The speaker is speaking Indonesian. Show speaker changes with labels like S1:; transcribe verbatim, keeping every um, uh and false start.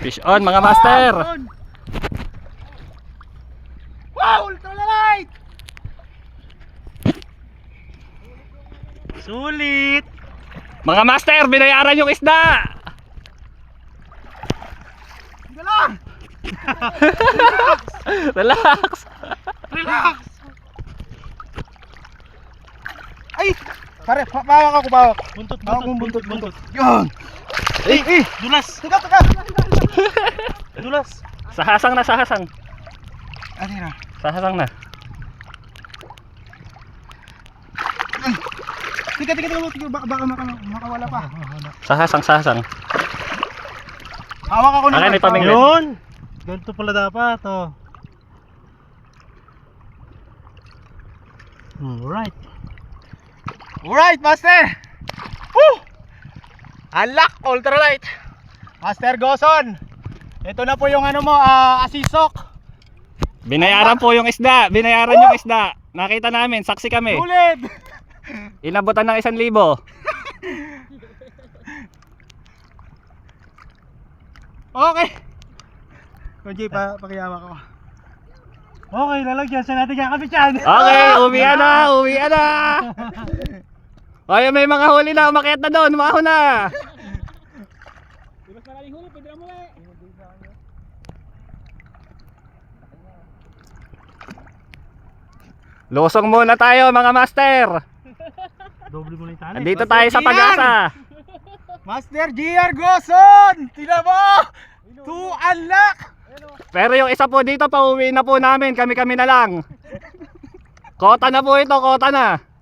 S1: Fish on mga master.
S2: Wow, ultralight! Sulit!
S1: Mga master, binayaran yung isda.
S2: Hindi lang!
S1: Relax.
S2: Relax! Ay! Pare, pa bawak ako, bawak. Buntot, buntot, buntot, buntot, buntot. Yan!
S1: Eh, eh.
S2: Dulas! Tuga, tuga! Dulas!
S1: Sahasang na, sahasang.
S2: Ano na?
S1: Sahasang na.
S2: Tiga, tiga, tiga, tiga, baka, baka maka, makawala pa.
S1: Sahasang, sahasang.
S2: Hawak ako na.
S1: Akin, may pamingwit.
S2: Yun! Ganito pala dapat, oh. Alright. Alright, master! Woo! Unlock, ultralight. Master Goson. Ito na po yung ano mo, uh, asisok.
S1: Binayaran po yung isda. Binayaran yung isda. Nakita namin, saksi kami.
S2: Ulit!
S1: Inabutan ng isang libo.
S2: Okay. Kunji, pa pakiyawa ko. Okay, lalagyan sa natin kakabit yan.
S1: Okay, uwian na, uwian na. Ay, may mga huli na, umakyat na doon, umaho na. Lusong muna tayo mga master.
S2: Doble mo na yung tali.
S1: Andito tayo sa Pag-asa.
S2: Master G R Goson! Tina mo! To unlock!
S1: Pero yung isa po dito, pauwi na po namin, kami-kami na lang. Kota na po ito, kota na.